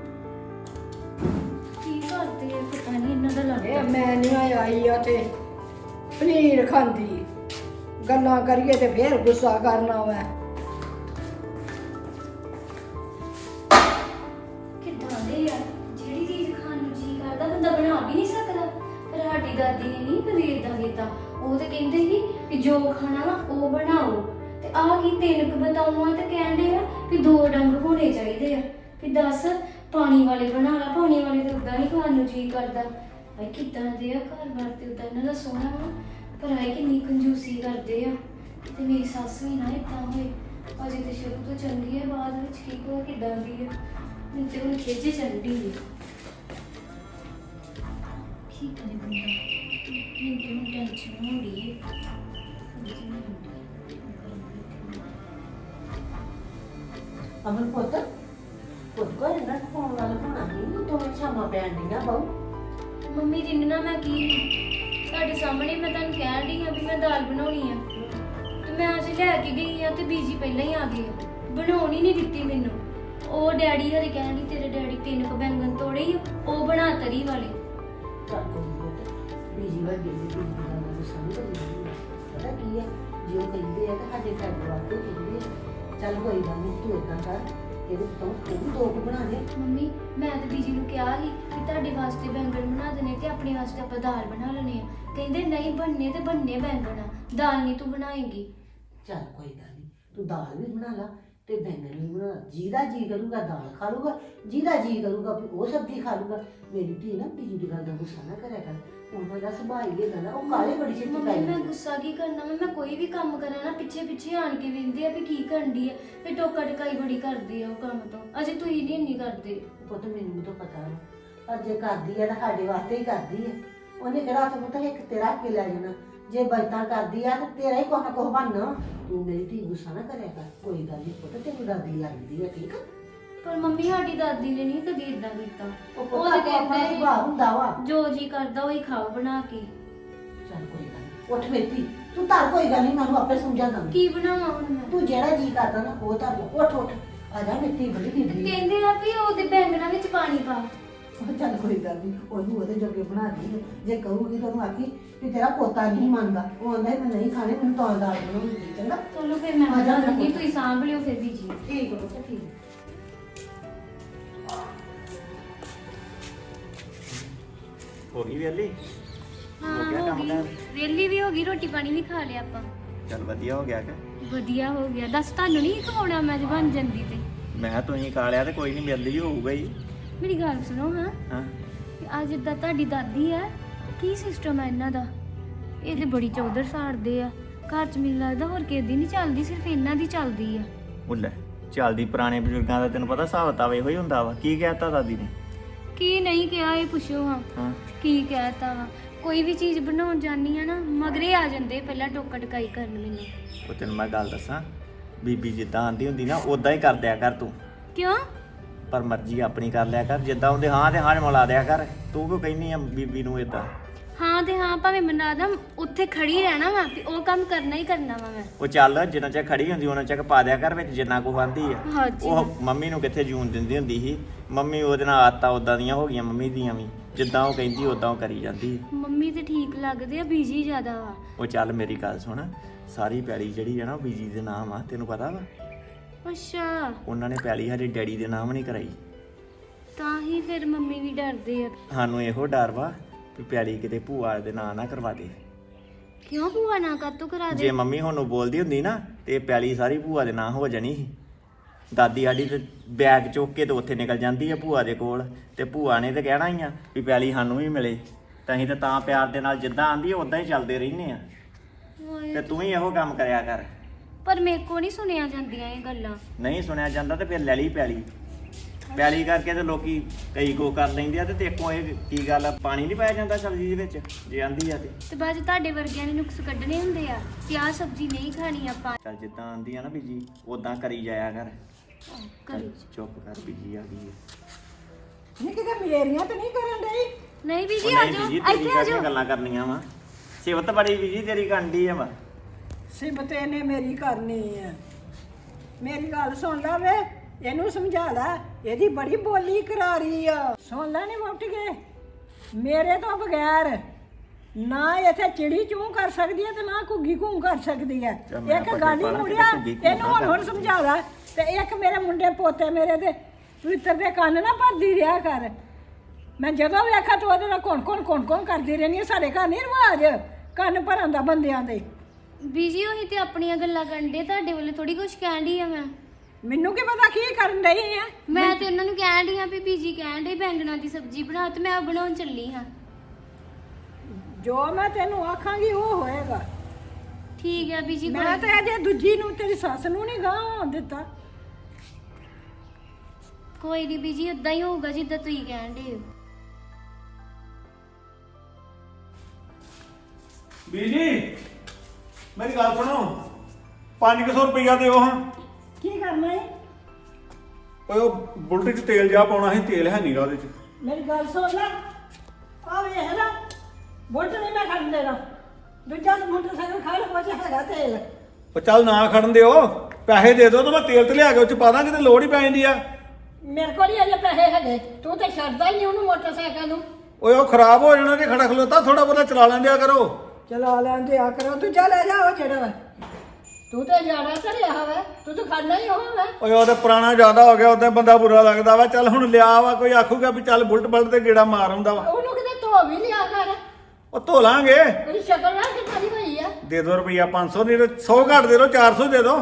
ਕੀ ਕਰਦੇ ਆ ਪਤਾ ਨਹੀਂ ਇਹਨਾਂ ਦਾ
ਇਹ
ਲੱਗਦਾ।
ਮੈਂ ਨਹੀਂ ਆਈ ਆ ਤੇ ਪਨੀਰ ਖਾਂਦੀ, ਗੱਲਾਂ ਕਰੀਏ ਤੇ ਫੇਰ ਗੁੱਸਾ ਕਰਨਾ ਵਾ।
ਕਿੱਦਾਂ ਦੇ ਆ, ਜਿਹੜੀ ਚੀਜ਼ ਖਾਣ ਨੂੰ ਜੀ ਕਰਦਾ ਬੰਦਾ ਬਣਾ ਵੀ ਨਹੀਂ ਸਕਦਾ। ਪਰ ਸਾਡੀ ਦਾਦੀ ਨੇ ਨਹੀਂ ਕਦੇ ਏਦਾਂ ਕੀਤਾ। ਉਹ ਤੇ ਕਹਿੰਦੇ ਸੀ ਕਿ ਜੋ ਖਾਣਾ ਵਾ ਉਹ ਬਣਾਓ, ਤੇ ਆਹ ਕੀ ਤਿੰਨ ਕੁ ਬਤਾਊਆਂ ਤੇ ਕਹਿੰਦੇ ਆ ਕਿ ਦੋ ਡੰਗ ਹੋਣੇ ਚਾਹੀਦੇ ਆ। ਵੀ ਦੱਸ ਪਾਣੀ ਵਾਲੇ ਬਣਾ ਲਾ, ਪਾਣੀ ਵਾਲੇ ਤੇ ਉਦਾਂ ਨਹੀਂ ਖਾਣ ਨੂੰ ਜੀ ਕਰਦਾ। ਭਾਈ ਕਿੱਦਾਂ ਦੇ ਆ, ਘਰ ਬਾਰ ਤੇ ਉਦਾਂ ਇਹਨਾਂ ਦਾ ਸੋਹਣਾ ਵਾ, ਪਰ ਆਏ ਕਿੰਨੀ ਕੰਜੂਸੀ ਕਰਦੇ ਆ। ਤੇ ਮੇਰੀ ਸੱਸ ਵੀ ਨਾ ਏਦਾਂ ਹੋਏ, ਅਜੇ ਤੇ ਸ਼ੁਰੂ ਤੋਂ ਚੰਗੀ ਹੈ, ਬਾਅਦ ਵਿੱਚ ਕੀ ਪਤਾ ਕਿੱਦਾਂ ਦੀ ਹੈ। ਮੈਨੂੰ ਤੇ ਹੁਣ ਖਿੱਚ ਚੜ੍ਹਦੀ ਹੈ। ਕੀ ਕਰੇ ਬੰਦਾ, ਮੈਨੂੰ ਤੇ ਹੁਣ ਟੈਨਸ਼ਨ ਹੋ ਰਹੀ ਹੈ। ਸਮਝ ਨਹੀਂ ਆਉਂਦੀ
ਅਮਨ ਪੁੱਤ, ਪੁੱਤ ਕੋਈ ਨਾ ਫੋਨ ਵਾਲਾ ਹੋਣਾ ਨਹੀਂ, ਤੂੰ ਸ਼ਾਮਾਂ ਪੈਣ ਦੀਆਂ ਬਾਉ।
ਮੰਮੀ ਰਿੰਨਾ ਮੈਂ ਕੀ ਤੁਹਾਡੇ ਸਾਹਮਣੇ ਮੈਂ ਤੁਹਾਨੂੰ ਕਹਿਣ ਡਈ ਹਾਂ ਵੀ ਮੈਂ ਦਾਲ ਬਣਾਉਣੀ ਆ, ਤੇ ਮੈਂ ਅੱਜ ਲੈ ਕੇ ਗਈ ਆ ਤੇ ਬੀਜੀ ਪਹਿਲਾਂ ਹੀ ਆ ਗਏ ਆ। ਬਣਾਉਣ ਹੀ ਨਹੀਂ ਦਿੱਤੀ ਮੈਨੂੰ। ਉਹ ਡੈਡੀ ਹਰੇ ਕਹਿਣ ਡਈ ਤੇਰੇ ਡੈਡੀ ਤਿੰਨ ਕੁ ਬੈਂਗਣ ਤੋੜੇ ਹੀ, ਉਹ ਬਣਾ ਤਰੀ ਵਾਲੇ।
ਚੱਲ ਕੋਈ ਨਹੀਂ, ਬੀਜੀ ਵੱਡੀ ਦੀ ਬੀਜੀ ਦੀ ਗੱਲ ਨੂੰ ਸਮਝ ਨਹੀਂ ਪਤਾ ਕੀ ਹੈ, ਜੇ ਉਹ ਕਹਿੰਦੇ ਆ ਤਾਂ ਸਾਡੇ ਫਾਇਦੇ ਵਾਸਤੇ ਕਹਿੰਦੇ ਆ। ਚੱਲ ਕੋਈ ਗੱਲ ਨਹੀਂ, ਤੂੰ ਏਦਾਂ ਕਰ, ਇਹਦੇ ਤੋਂ ਤੂੰ ਵੀ ਦੋ ਕੁ ਬਣਾ ਦੇ।
ਮੰਮੀ ਮੈਂ ਤੇ ਬੀਜੀ ਨੂੰ ਕਿਹਾ ਸੀ ਕਿ ਤੁਹਾਡੇ ਵਾਸਤੇ ਬੈਂਗਣ ਬਣਾ ਦੇਣੇ ਤੇ ਆਪਣੇ ਵਾਸਤੇ ਆਪਾਂ ਦਾਲ ਬਣਾ ਲੈਣੇ ਆ। ਕਹਿੰਦੇ ਨਹੀਂ ਬਣਨੇ ਤੇ ਬਣਨੇ ਬੈਂਗਣ ਆ, ਦਾਲ ਨਹੀਂ ਤੂੰ ਬਣਾਏਂਗੀ।
ਚੱਲ ਕੋਈ ਗੱਲ ਨਹੀਂ, ਤੂੰ ਦਾਲ ਵੀ ਬਣਾ ਲਾ ਤੇ ਬੈਂਗਣ ਵੀ ਬਣਾ ਲਾ। ਜਿਹਦਾ ਜੀ ਕਰੂਗਾ ਦਾਲ ਖਾ ਲੂਗਾ, ਜਿਹਦਾ ਜੀ ਕਰੂਗਾ ਵੀ ਉਹ ਸਬਜ਼ੀ ਖਾ ਲੂਗਾ। ਮੇਰੀ ਧੀ ਨਾ ਬੀਜੀ ਦੀ ਗੱਲ ਦਾ ਗੁੱਸਾ ਨਾ ਕਰਿਆ ਕਰ, ਉਹਨਾਂ ਦਾ ਸੁਭਾਅ ਹੀ ਇਹਦਾ ਨਾ, ਉਹ ਕਾਲੇ ਬੜੀ ਛੇਤੀ
ਮੰਮੀ
ਪੈ
ਮੈਂ
ਜਾਂਦੇ।
ਗੁੱਸਾ ਕੀ ਕਰਨਾ ਵਾ, ਮੈਂ ਕੋਈ ਵੀ ਕੰਮ ਕਰਾਂ ਨਾ ਪਿੱਛੇ ਪਿੱਛੇ ਆਣ ਕੇ ਵੇਂਦੇ ਆ ਵੀ ਕੀ ਕਰਨਦੀ ਆ, ਤੇ ਟੋਕਾ ਟਕਾਈ ਬੜੀ ਕਰਦੇ ਆ ਉਹ ਕੰਮ ਤੋਂ। ਅਜੇ ਤੁਸੀਂ ਨਹੀਂ ਇੰਨੀ ਕਰਦੇ।
ਪੁੱਤ ਮੈਨੂੰ ਵੀ ਤਾਂ ਪਤਾ ਹੈ, ਪਰ ਜੇ ਕਰਦੀ ਹੈ ਤਾਂ ਸਾਡੇ ਵਾਸਤੇ ਹੀ ਕਰਦੀ ਹੈ। ਉਹਨੇ ਕਿਹੜਾ ਹੱਥ ਪੁੱਤ ਇੱਕ ਤੇਰਾ ਕੇ ਲੈ ਜਾਣਾ, ਜੇ ਬਚਤਾਂ ਕਰਦੀ ਆ ਤਾਂ ਤੇਰਾ ਹੀ ਕੁਛ ਨਾ ਕੁਛ ਬਣਨਾ। ਤੂੰ ਮੇਰੀ ਧੀ ਗੁੱਸਾ ਨਾ ਕਰਿਆ ਕਰ, ਕੋਈ ਗੱਲ ਨਹੀਂ ਪੁੱਤ, ਤੈਨੂੰ ਦਾਦੀ ਲੱਗਦੀ ਹੈ, ਠੀਕ ਆ?
ਪਰ ਮੰਮੀ ਸਾਡੀ ਦਾਦੀ ਨੇ ਨਹੀਂ ਕਦੇ ਇਦਾਂ ਕੀਤਾ।
ਉਹ
ਉਹ
ਪੁੱਤ
ਤੇ
ਆਪਣਾ ਆਪਣਾ
ਕਹਿੰਦੇ
ਸੁਭਾਅ ਹੁੰਦਾ ਵਾ।
ਜੋ ਜੀ ਕਰਦਾ ਉਹੀ ਖਾਓ ਬਣਾ ਕੇ।
ਚੱਲ ਕੋਈ ਗੱਲ ਨੀ, ਉੱਠ ਮੇਰੀ ਧੀ, ਤੂੰ ਧਰ, ਕੋਈ ਗੱਲ ਨਹੀਂ, ਮੈਨੂੰ ਆਪੇ ਸਮਝਾ ਦਾਂਗੀ।
ਕੀ ਬਣਾਵਾਂ ਹੁਣ ਮੈਂ?
ਤੂੰ ਜਿਹੜਾ ਜੀ ਕਰਦਾ ਨਾ ਉਹ ਧਰ ਲੈ, ਉੱਠ ਉੱਠ, ਆ ਜਾ ਮੇਰੀ ਧੀ, ਬੜੀ ਦੀਦੀ।
ਕਹਿੰਦੇ ਆ ਵੀ ਉਹਦੇ ਬੈਂਗਣਾ ਵਿੱਚ ਪਾਣੀ ਪਾ।
ਉਹ ਚੱਲ ਕੋਈ ਗੱਲ ਨਹੀਂ, ਉਹਨੂੰ ਉਹਦੇ ਜੋਗੇ ਬਣਾ ਦੀ। ਜੇ ਕਹੂਗੀ ਤਾਂ ਉਹਨੂੰ ਆਖੀ ਵੀ ਤੇਰਾ ਪੋਤਾ ਨਹੀਂ ਮੰਨਦਾ, ਉਹ ਆਂਦਾ ਮੈਂ ਨਹੀਂ ਖਾਣੇ, ਮੈਨੂੰ ਤਾਂ ਦਾਲ ਬਣਾਉਣੀ। ਚੰਗਾ
ਚਲੋ ਫਿਰ ਮੈਂ
ਆ ਜਾ
ਜਾਵਾਂਗੀ, ਤੁਸੀਂ ਸਾਂਭ ਲਿਓ ਫਿਰ ਬੀਜੀ।
ਠੀਕ ਹੋ ਠੀਕ।
ਹੋ ਗਈ ਵੇਲੀ?
ਹਾਂ
ਹੋ ਗਿਆ
ਹੋ
ਕੰਮ
ਗਈ,
ਕਾਰ?
ਵੇਲੀ ਵੀ ਹੋ ਗਈ, ਰੋਟੀ ਪਾਣੀ ਵੀ ਖਾ ਲਿਆ ਆਪਾਂ।
ਚੱਲ ਵਧੀਆ ਹੋ ਗਿਆ ਕਿ
ਵਧੀਆ ਹੋ ਗਿਆ। ਦੱਸ ਤੁਹਾਨੂੰ ਨਹੀਂ ਖਵਾਉਣਾ ਮੈਂ ਜੇ ਬਣ ਜਾਂਦੀ ਤੇ।
ਮੈਂ ਤੁਸੀਂ ਖਾ ਲਿਆ ਤੇ ਕੋਈ ਨਹੀਂ ਮਿਲਦੀ ਹੋਊਗਾ ਹੀ।
ਮੇਰੀ ਗੱਲ ਸੁਣੋ ਹਾਂ,
ਹਾਂ
ਆ ਜਿੱਦਾਂ ਤੁਹਾਡੀ ਦਾਦੀ ਆ, ਕੀ ਸਿਸਟਮ ਹੈ ਇਹਨਾਂ ਦਾ? ਇਹ ਤੇ ਬੜੀ ਚੌਧਰ ਸਾੜਦੇ ਆ ਘਰ ਚ। ਮੈਨੂੰ ਲੱਗਦਾ ਹੋਰ ਕਿਸੇ ਦੀ ਨਹੀਂ ਚੱਲਦੀ, ਸਿਰਫ ਇਹਨਾਂ ਦੀ ਚੱਲਦੀ ਆ।
ਉਹ ਲੈ ਚੱਲਦੀ, ਪੁਰਾਣੇ ਬਜ਼ੁਰਗਾਂ ਦਾ ਤੈਨੂੰ ਪਤਾ ਹਿਸਾਬ ਕਿਤਾਬ ਇਹੋ ਹੀ ਹੁੰਦਾ ਵਾ। ਕੀ ਕਹਿਤਾ ਦਾਦੀ ਨੇ?
ਕੀ ਨਹੀਂ ਕਿਹਾ ਇਹ ਪੁੱਛੋ ਹਾਂ।
ਹਾਂ
ਕੀ ਕਹਿਤਾ ਵਾ? ਕੋਈ ਵੀ ਚੀਜ਼ ਬਣਾਉਣ ਜਾਨੀ ਆ ਨਾ, ਮਗਰੇ ਆ ਜਾਂਦੇ ਪਹਿਲਾਂ ਟੋਕਾ ਟਕਾਈ ਕਰਨ ਮੈਨੂੰ।
ਉਹ ਤੈਨੂੰ ਮੈਂ ਗੱਲ ਦੱਸਾਂ, ਬੀਬੀ ਜਿੱਦਾਂ ਆਂਦੀ ਹੁੰਦੀ ਨਾ ਉਦਾਂ ਹੀ ਕਰ ਦਿਆ ਕਰ ਤੂੰ।
ਕਿਉਂ?
ਪਰ ਮਰਜ਼ੀ ਆਪਣੀ ਕਰ ਲਿਆ ਕਰ, ਜਿੱਦਾਂ ਉਹਦੇ ਹਾਂ ਤੇ ਹਾਂ ਮਿਲਾ ਦਿਆ ਕਰ। ਤੂੰ ਕਿਉਂ ਕਹਿੰਦੀ ਆ ਬੀਬੀ ਨੂੰ ਇਦਾਂ?
ਹਾਂ ਤੇ ਹਾਂ ਭਾਵੇਂ ਮਨਾ ਦਾਂ, ਉੱਥੇ ਖੜੀ ਰਹਿਣਾ ਵਾ ਵੀ ਉਹ ਕੰਮ ਕਰਨਾ ਹੀ ਕਰਨਾ ਵਾ ਮੈਂ।
ਉਹ ਚੱਲ ਜਿੰਨਾ ਚਿਰ ਖੜੀ ਹੁੰਦੀ ਉਹਨਾਂ ਚਿਰ ਪਾ ਦਿਆ ਕਰ ਵਿੱਚ ਜਿੰਨਾ ਕੁ ਆਂਦੀ ਆ।
ਹਾਂਜੀ।
ਉਹ ਮੰਮੀ ਨੂੰ ਕਿੱਥੇ ਜੂਨ ਦਿੰਦੀ ਹੁੰਦੀ ਸੀ। ਮੰਮੀ ਉਹਦੇ ਨਾਲ ਆਦਤਾਂ ਉਦਾਂ ਦੀਆਂ ਹੋ ਗਈਆਂ ਮੰਮੀ ਦੀਆਂ ਵੀ, ਜਿੱਦਾਂ ਉਹ ਕਹਿੰਦੀ ਉਦਾਂ ਉਹ ਕਰੀ ਜਾਂਦੀ।
ਮੰਮੀ ਤੇ ਠੀਕ ਲੱਗਦੇ ਆ, ਬੀਜੀ ਜ਼ਿਆਦਾ ਵਾ।
ਉਹ ਚੱਲ ਮੇਰੀ ਗੱਲ ਸੁਣ, ਸਾਰੀ ਪੈਲੀ ਜਿਹੜੀ ਹੈ ਨਾ ਉਹ ਬੀਜੀ ਦੇ ਨਾਮ ਆ, ਤੈਨੂੰ ਪਤਾ ਵਾ?
ਅੱਛਾ,
ਉਹਨਾਂ ਨੇ ਪੈਲੀ ਸਾਡੇ ਡੈਡੀ ਦੇ ਨਾਮ ਨਹੀਂ ਕਰਾਈ।
ਤਾਂ ਹੀ ਫਿਰ ਮੰਮੀ ਵੀ ਡਰਦੇ ਆ।
ਸਾਨੂੰ ਇਹੋ ਡਰ ਵਾ ਵੀ ਪੈਲੀ ਕਿਤੇ ਭੂਆ ਦੇ ਨਾਂ ਨਾ ਕਰਵਾ ਦੇ।
ਕਿਉਂ ਭੂਆ ਨਾ ਕਾਤੋਂ ਕਰਾ ਦੇ?
ਜੇ ਮੰਮੀ ਹੁਣ ਨੂੰ ਬੋਲਦੀ ਹੁੰਦੀ ਨਾ ਤੇ ਪੈਲੀ ਸਾਰੀ ਭੂਆ ਦੇ ਨਾਂ ਹੋ ਜਾਣੀ ਸੀ। ਦਾਦੀ ਸਾਡੀ ਤੇ ਬੈਗ ਚੁੱਕ ਕੇ ਤੇ ਉੱਥੇ ਨਿਕਲ ਜਾਂਦੀ ਆ ਭੂਆ ਦੇ ਕੋਲ, ਤੇ ਭੂਆ ਨੇ ਤੇ ਕਹਿਣਾ ਹੀ ਆ ਵੀ ਪੈਲੀ ਸਾਨੂੰ ਵੀ ਮਿਲੇ। ਤਾਂ ਅਸੀਂ ਤਾਂ ਤਾਂ ਪਿਆਰ ਦੇ ਨਾਲ ਜਿੱਦਾਂ ਆਂਦੀ ਉਦਾਂ ਹੀ ਚੱਲਦੇ ਰਹਿੰਦੇ ਆ।
ਹਾਏ,
ਤੇ ਤੂੰ ਵੀ ਇਹੋ ਕੰਮ ਕਰਿਆ ਕਰ।
ਪਰ ਮੇਰੇ ਕੋ ਨਹੀਂ ਸੁਣਿਆ ਜਾਂਦੀਆਂ ਇਹ ਗੱਲਾਂ।
ਨਹੀਂ ਸੁਣਿਆ ਜਾਂਦਾ ਤੇ ਫਿਰ ਲੈ ਲਈ ਪੈਲੀ। ਪੈਲੀ ਕਰਕੇ ਤੇ ਲੋਕੀ ਕਈ ਕੋ ਕਰ ਲੈਂਦੇ ਆ, ਤੇ ਦੇਖੋ ਇਹ ਕੀ ਗੱਲ ਆ, ਪਾਣੀ ਨਹੀਂ ਪਾਇਆ ਜਾਂਦਾ ਸਬਜ਼ੀ ਦੇ ਵਿੱਚ ਜੇ ਆਂਦੀ ਆ ਤੇ।
ਤੇ ਬਾਅਦ 'ਚ ਤੁਹਾਡੇ ਵਰਗਿਆਂ ਨੇ ਨੁਕਸ ਕੱਢਣੇ ਹੁੰਦੇ ਆ ਕਿ ਆਹ ਸਬਜ਼ੀ ਨਹੀਂ ਖਾਣੀ ਆਪਾਂ।
ਚੱਲ ਜਿੱਦਾਂ ਆਂਦੀ ਆ ਨਾ ਬੀਜੀ ਉਦਾਂ ਕਰੀ ਜਾਇਆ ਕਰ।
ਕਰੀ
ਚੁੱਪ ਕਰ, ਬੀਜੀ ਆ ਗਈ ਹੈ।
ਨਹੀਂ ਕਿਤੇ ਮੇਰੀਆਂ ਤੇ ਨਹੀਂ ਕਰਨ ਡਈ।
ਨਹੀਂ ਬੀਜੀ
ਉਹ
ਆ
ਨਹੀਂ
ਜਾਓ,
ਬੀਜੀ, ਤੇਰੀ
ਇੱਥੇ ਆ
ਕਾਹਦੀਆਂ
ਜਾਓ।
ਗੱਲਾਂ ਕਰਨੀਆਂ ਵਾ? ਸਿਵਤ ਬੜੀ ਬੀਜੀ ਤੇਰੀ ਕੰਡੀ ਆ ਵਾ।
ਸਿਮਤ ਇਹਨੇ ਮੇਰੀ ਕਰਨੀ ਆ। ਮੇਰੀ ਗੱਲ ਸੁਣ ਲੈ ਵੇ, ਇਹਨੂੰ ਸਮਝਾ ਲੈ, ਇਹਦੀ ਬੜੀ ਬੋਲੀ ਕਰਾਰੀ ਆ। ਸੁਣ ਲੈ ਨੀ ਮੁੱਟ ਗਏ, ਮੇਰੇ ਤੋਂ ਬਗੈਰ ਨਾ ਇੱਥੇ ਚਿੜੀ ਚੂੰ ਕਰ ਸਕਦੀ ਹੈ ਤੇ ਨਾ ਘੁੱਗੀ ਘੂੰ ਕਰ ਸਕਦੀ ਹੈ।
ਚੱਲ ਮੈਂ
ਇੱਕ
ਪੱਠੇ
ਗੱਲ ਹੀ
ਪਾਲਾਂ
ਮੁੜਿਆ,
ਕਿਤੇ ਘੁੱਗੀ ਘੂੰ
ਇਹਨੂੰ
ਨਾ
ਹੁਣ ਹੁਣ
ਕਰ।
ਸਮਝਾ ਲੈ। ਤੇ ਇੱਕ ਮੇਰੇ ਮੁੰਡੇ ਪੋਤੇ ਮੇਰੇ ਦੇ ਪਵਿੱਤਰ ਦੇ ਕੰਨ ਨਾ ਭਰਦੀ ਰਿਹਾ ਕਰ। ਮੈਂ ਜਦੋਂ ਵੇਖਾ ਤੂੰ ਉਹਦੇ ਨਾਲ ਕੌਣ ਕੌਣ ਕੌਣ ਕੌਣ ਕਰਦੀ ਰਹਿੰਦੀ ਹੈ। ਸਾਡੇ ਘਰ ਨਹੀਂ ਰਿਵਾਜ ਕੰਨ ਭਰਨ ਦਾ ਬੰਦਿਆਂ ਦੇ।
ਬੀਜੀ ਉਹੀ ਤੇ ਆਪਣੀਆਂ ਗੱਲਾਂ ਕਰਨ ਦੇ, ਤੁਹਾਡੇ ਵੱਲੋਂ ਥੋੜੀ ਕੁਝ ਕਹਿਣ ਡਈ ਆ ਮੈਂ।
ਮੈਨੂੰ ਕੀ ਪਤਾ ਕੀ ਕਰਨ ਡਈ ਆ।
ਮੈਂ ਤੇ ਉਹਨਾਂ ਨੂੰ ਕਹਿਣ ਡਈ ਆ ਵੀ ਬੀਜੀ ਕਹਿਣ ਡਈ ਬੈਂਗਣਾ ਦੀ ਸਬਜ਼ੀ ਬਣਾ, ਤੇ ਮੈਂ ਉਹ ਬਣਾਉਣ ਚੱਲੀ ਹਾਂ।
ਜੋ ਮੈਂ ਤੈਨੂੰ ਆਖਾਂਗੀ ਉਹ ਹੋਏਗਾ।
ਠੀਕ ਹੈ ਬੀਜੀ।
ਮੈਂ ਤਾਂ ਅਜੇ ਦੂਜੀ ਨੂੰ ਤੇਰੀ ਸੱਸ ਨੂੰ ਨਹੀਂ ਗਾਂ ਦਿੱਤਾ।
ਕੋਈ ਨਹੀਂ ਬੀਜੀ, ਉਦਾਂ ਹੀ ਹੋਊਗਾ ਜਿੱਦਾਂ ਤੁਸੀਂ ਕਹਿਣ ਡਏ ਹੋ।
ਬੀਜੀ ਮੇਰੀ ਗੱਲ ਸੁਣੋ, ਪੰਜ ਸੌ ਰੁਪਈਆ ਦਿਓ ਹਾਂ।
ਕੀ ਕਰਨਾ ਹੈ?
ਓਏ ਉਹ ਬੁਲਟ 'ਚ ਤੇਲ ਜਾ ਪਾਉਣਾ ਸੀ, ਤੇਲ ਹੈ ਨਹੀਂਗਾ ਉਹਦੇ 'ਚ।
ਮੇਰੀ ਗੱਲ ਸੁਣ ਲੈ, ਆ ਵੇਖ ਲੈ, ਬੁਲਟ ਨਹੀਂ ਮੈਂ ਖੜਨ ਦੇਣਾ। ਦੂਜਾ ਮੋਟਰਸਾਈਕਲ ਖੜ ਪੋਚ ਹੈਗਾ ਤੇਲ।
ਉਹ ਚੱਲ ਨਾ ਖੜਨ ਦਿਓ, ਪੈਸੇ ਦੇ ਦਿਓ ਤਾਂ ਮੈਂ ਤੇਲ ਤੇ ਲਿਆ ਕੇ ਉਹ 'ਚ ਪਾ ਦਾਂ, ਕਿਤੇ ਲੋੜ ਹੀ ਪੈ ਜਾਂਦੀ ਆ।
ਮੇਰੇ ਕੋਲ ਹੀ ਅਜੇ ਪੈਸੇ ਹੈਗੇ, ਤੂੰ ਤੇ ਛੱਡਦਾ ਹੀ ਨਹੀਂ ਉਹਨੂੰ ਮੋਟਰਸਾਈਕਲ ਨੂੰ।
ਓਏ ਉਹ ਖਰਾਬ ਹੋ ਜਾਣਾ ਤੇ ਖੜਾ ਖਲੋਤਾ, ਥੋੜਾ ਬਹੁਤਾ ਚਲਾ ਲੈਂਦਿਆ ਕਰੋ।
ਚਲਾ ਲੈਂਦੇ ਆ ਕਰੋ, ਤੂੰ ਜਾ ਲੈ ਜਾ ਉਹ ਜਿਹੜਾ ਵਾ। ਤੂੰ ਤੇ ਜਾਣਾ ਤੇ ਰਿਹਾ ਵਾ, ਤੂੰ ਤਾਂ ਖੜਨਾ ਹੀ ਹੋਣਾ।
ਓਏ ਉਹ ਤੇ ਪੁਰਾਣਾ ਜ਼ਿਆਦਾ ਹੋ ਗਿਆ, ਉਦੋਂ ਬੰਦਾ ਬੁਰਾ ਲੱਗਦਾ ਵਾ। ਚੱਲ ਹੁਣ ਲਿਆ ਵਾ, ਕੋਈ ਆਖੂਗਾ ਵੀ ਚੱਲ ਬੁਲਟ ਬਲਟ ਤੇ ਗੇੜਾ ਮਾਰ ਆਉਂਦਾ ਵਾ।
ਉਹਨੂੰ ਕਿਤੇ ਧੋ ਵੀ ਲਿਆ ਕਰ।
ਉਹ ਧੋ ਲਾਂਗੇ।
ਉਹਦੀ ਸ਼ਕਲ ਨਾ ਕਿੱਦਾਂ ਦੀ ਹੋਈ ਆ।
ਦੇ ਦੋ ਰੁਪਈਆ ਪੰਜ ਸੌ, ਨਹੀਂ ਤੇ ਸੌ ਘੱਟ ਦੇ ਦੋ, ਚਾਰ ਸੌ ਦੇ ਦੋ।